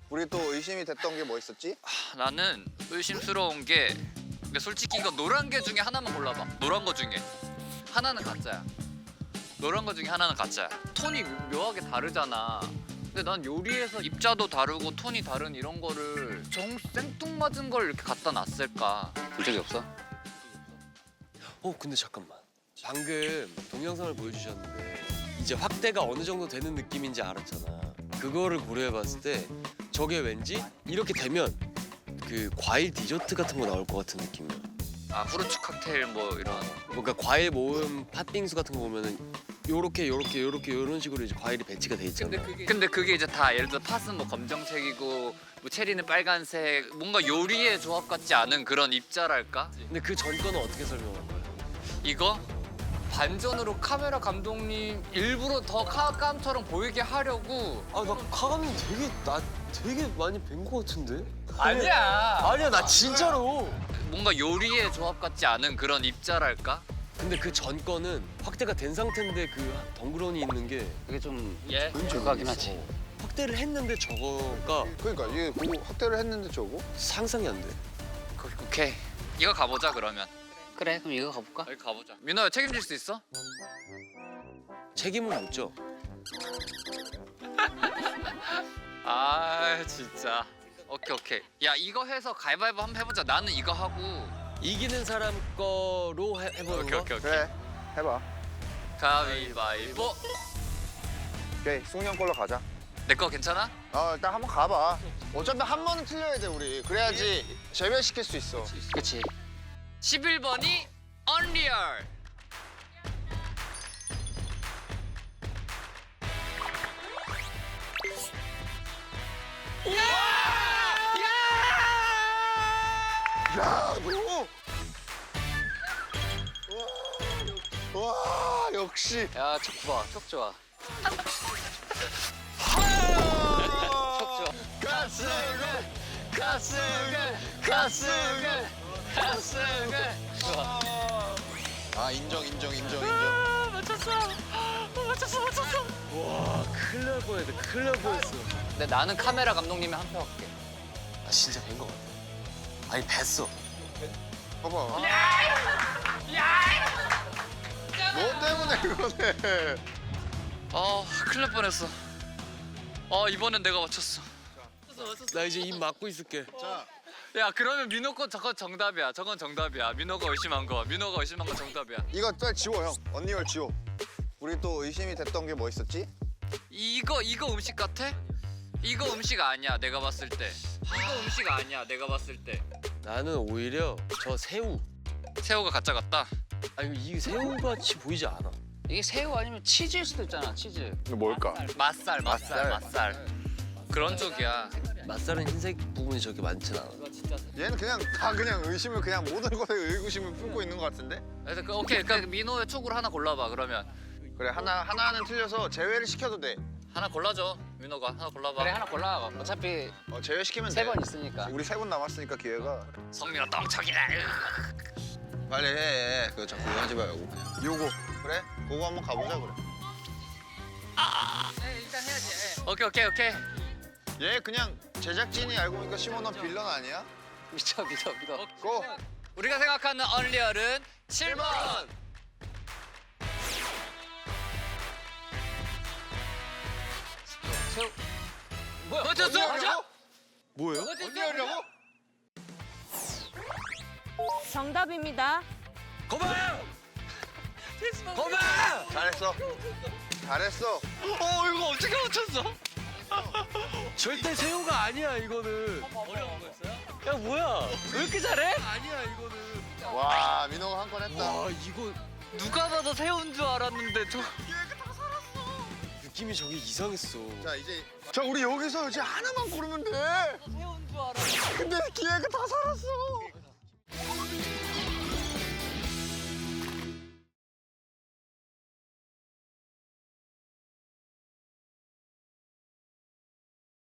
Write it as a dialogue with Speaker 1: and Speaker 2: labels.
Speaker 1: 우리 또 의심이 됐던 게 뭐 있었지?
Speaker 2: 나는 의심스러운 게 근데 솔직히 이거 노란 게 중에 하나만 골라봐. 노란 거 중에 하나는 가짜야. 노란 거 중에 하나는 가짜야. 톤이 묘하게 다르잖아. 근데 난 요리에서 입자도 다르고 톤이 다른 이런 거를 생뚱맞은 걸 이렇게 갖다 놨을까? 본 적이 없어?
Speaker 3: 근데 잠깐만. 방금 동영상을 보여주셨는데 이제 확대가 어느 정도 되는 느낌인지 알았잖아. 그거를 고려해봤을 때 저게 왠지 이렇게 되면 그 과일 디저트 같은 거 나올 것 같은 느낌이야.
Speaker 2: 아 후르츠 칵테일 뭐 이런.
Speaker 3: 뭔가 과일 모음 팥빙수 같은 거 보면은 요렇게 요런 식으로 이제 과일이 배치가 돼 있잖아.
Speaker 2: 근데 그게 이제 다 예를 들어 팥은 뭐 검정색이고 뭐 체리는 빨간색 뭔가 요리의 조합 같지 않은 그런 입자랄까?
Speaker 3: 근데 그 전 거는 어떻게 설명할 거야?
Speaker 2: 이거 반전으로 카메라 감독님 일부러 더 카감처럼 보이게 하려고.
Speaker 3: 아, 나 카감님 되게 많이 뵌 거 같은데?
Speaker 2: 아니야.
Speaker 3: 아니야, 나 진짜로.
Speaker 2: 뭔가 요리의 조합 같지 않은 그런 입자랄까?
Speaker 3: 근데 그 전 거는 확대가 된 상태인데 그 덩그러니 있는 게
Speaker 4: 이게 좀
Speaker 2: 예.
Speaker 4: 조각이긴 하지.
Speaker 3: 확대를 했는데 저거가
Speaker 1: 그러니까 이게 그거 확대를 했는데 저거?
Speaker 3: 상상이 안 돼.
Speaker 2: 오케이. 이거 가보자 그러면.
Speaker 4: 그래, 그럼 이거 가볼까?
Speaker 2: 여기 가보자. 민호야 책임질 수 있어?
Speaker 3: 책임을 못 져.
Speaker 2: 아 진짜. 오케이. 야 이거 해서 가위바위보 한번 해보자. 나는 이거 하고.
Speaker 3: 이기는 사람 거로 해보는 거?
Speaker 2: 오케이.
Speaker 1: 그래, 해봐.
Speaker 2: 가위바위보.
Speaker 1: 오케이, 승훈이 형 걸로 가자.
Speaker 2: 내 거 괜찮아?
Speaker 1: 일단 한번 가봐. 어차피 한 번은 틀려야 돼 우리. 그래야지 재배시킬 수 있어.
Speaker 4: 그치.
Speaker 2: 11번이 언리얼.
Speaker 1: 야, 너! 와, 역시.
Speaker 4: 야, 척 좋아, 척 좋아. 척 좋아.
Speaker 1: 인정.
Speaker 3: 와, 큰일 날 뻔했다. 큰일 날 뻔했어.
Speaker 2: 근데 나는 카메라 감독님이 한 표 할게.
Speaker 3: 아, 진짜 뵌 거 같아. 아니, 뵀어.
Speaker 1: 봐봐. 너 때문에 그러네.
Speaker 2: 큰일 날 뻔했어. 이번엔 내가 맞췄어.
Speaker 3: 나 이제 입 막고 있을게.
Speaker 1: 자,
Speaker 2: 야 그러면 민호 거 저건 정답이야. 저건 정답이야. 민호가 의심한 거 정답이야.
Speaker 1: 이거 빨리 지워 형. 언니걸 지워. 우리 또 의심이 됐던 게 뭐 있었지?
Speaker 2: 이거 음식 같아? 이거 음식 아니야. 내가 봤을 때. 이거 음식 아니야. 내가 봤을 때.
Speaker 3: 나는 오히려 저 새우.
Speaker 2: 새우가 가짜 같다.
Speaker 3: 아니, 이 새우같이 보이지 않아.
Speaker 4: 이게 새우 아니면 치즈일 수도 있잖아, 치즈.
Speaker 1: 이거 뭘까?
Speaker 2: 맛살. 그런 쪽이야.
Speaker 3: 맛살은 흰색 부분이 저렇게 많진 않아.
Speaker 1: 얘는 그냥 의심을 그냥 모든 것에 의구심을 품고 있는 것 같은데?
Speaker 2: 그래서 오케이. 그러니까 민호의 촉으로 하나 골라봐. 그러면
Speaker 1: 그래, 하나는 틀려서 제외를 시켜도 돼.
Speaker 2: 하나 골라줘. 민호가 하나 골라봐.
Speaker 4: 그래, 하나 골라. 어차피
Speaker 1: 제외시키면 돼.
Speaker 4: 세 번 있으니까.
Speaker 1: 우리 3번 남았으니까 기회가.
Speaker 2: 성민아 똥척이다.
Speaker 1: 빨리 해. 그거 자꾸 하지 말고 그냥. 요거. 그래? 그거 한번 가보자 그래.
Speaker 2: 일단 해야지. 오케이.
Speaker 1: 얘 그냥 제작진이 알고 보니까 시몬 넌 빌런 아니야?
Speaker 4: 믿어.
Speaker 1: 고!
Speaker 2: 우리가 생각하는 언리얼은 7번.
Speaker 4: 새우. 뭐야?
Speaker 2: 맞췄어?
Speaker 3: 뭐예요?
Speaker 1: 언니하려고?
Speaker 5: 정답입니다.
Speaker 3: 거봐! 거봐!
Speaker 1: 잘했어.
Speaker 2: 이거 어떻게 맞췄어?
Speaker 3: 절대 새우가 아니야, 이거는.
Speaker 2: 어려운 거였어요?
Speaker 3: 야, 뭐야?
Speaker 2: 왜 이렇게 잘해?
Speaker 3: 아니야, 이거는.
Speaker 1: 와, 민호가 한 건 했다.
Speaker 3: 와, 이거
Speaker 2: 누가 봐도 새우인 줄 알았는데
Speaker 3: 느낌이 저게 이상했어.
Speaker 1: 자, 우리 여기서 이제 하나만 고르면 돼.
Speaker 2: 새우인 줄 알았어.
Speaker 1: 근데 기회가 다 살았어.